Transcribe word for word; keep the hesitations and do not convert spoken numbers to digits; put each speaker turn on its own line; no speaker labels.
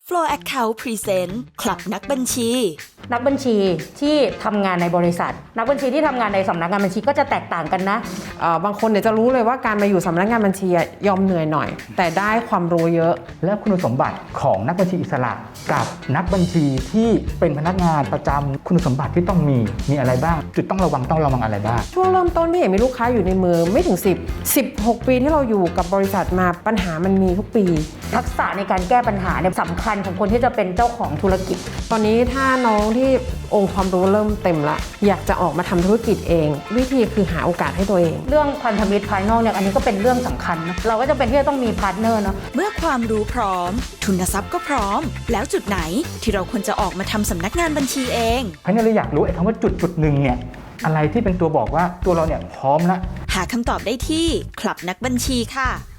Flow Account Present คลับนักบัญชี
นักบัญชีที่ทำงานในบริษัทนักบัญชีที่ทำงานในสำนักงานบัญชีก็จะแตกต่างกันนะ
บางคนเนี่ยจะรู้เลยว่าการมาอยู่สำนักงานบัญชียอมเหนื่อยหน่อยแต่ได้ความรู้เยอะ
และคุณสมบัติของนักบัญชีอิสระกับนักบัญชีที่เป็นพนักงานประจำคุณสมบัติที่ต้องมีมีอะไรบ้างจุดต้องระวังต้องระวังอะไรบ้าง
ช่วงเริ่มต้นพี่เห็นมีลูกค้าอยู่ในมือไม่ถึงสิบ สิบหกปีที่เราอยู่กับบริษัทมาปัญหามันมีทุกปี
ทักษะในการแก้ปัญหาเนี่ยสำคัญของคนที่จะเป็นเจ้าของธุรกิจ
ตอนนี้ถ้าน้องที่องค์ความรู้เริ่มเต็มละอยากจะออกมาทำธุรกิจเองวิธีคือหาโอกาสให้ตัวเอง
เรื่องพันธมิตรภายนอกเนี่ยอันนี้ก็เป็นเรื่องสำคัญนะเราก็จะเป็นที่จะต้องมีพาร์ทเนอร์เนาะ
เมื่อความรู้พร้อมทุนทรัพย์ก็พร้อมแล้วจุดไหนที่เราควรจะออกมาทำสำนักงานบัญชีเอง
เพราะนี่เราอยากรู้ไอ้คำว่าจุดจุดหนึ่งเนี่ยอะไรที่เป็นตัวบอกว่าตัวเราเนี่ยพร้อมแล้ว
หาคำตอบได้ที่คลับนักบัญชีค่ะ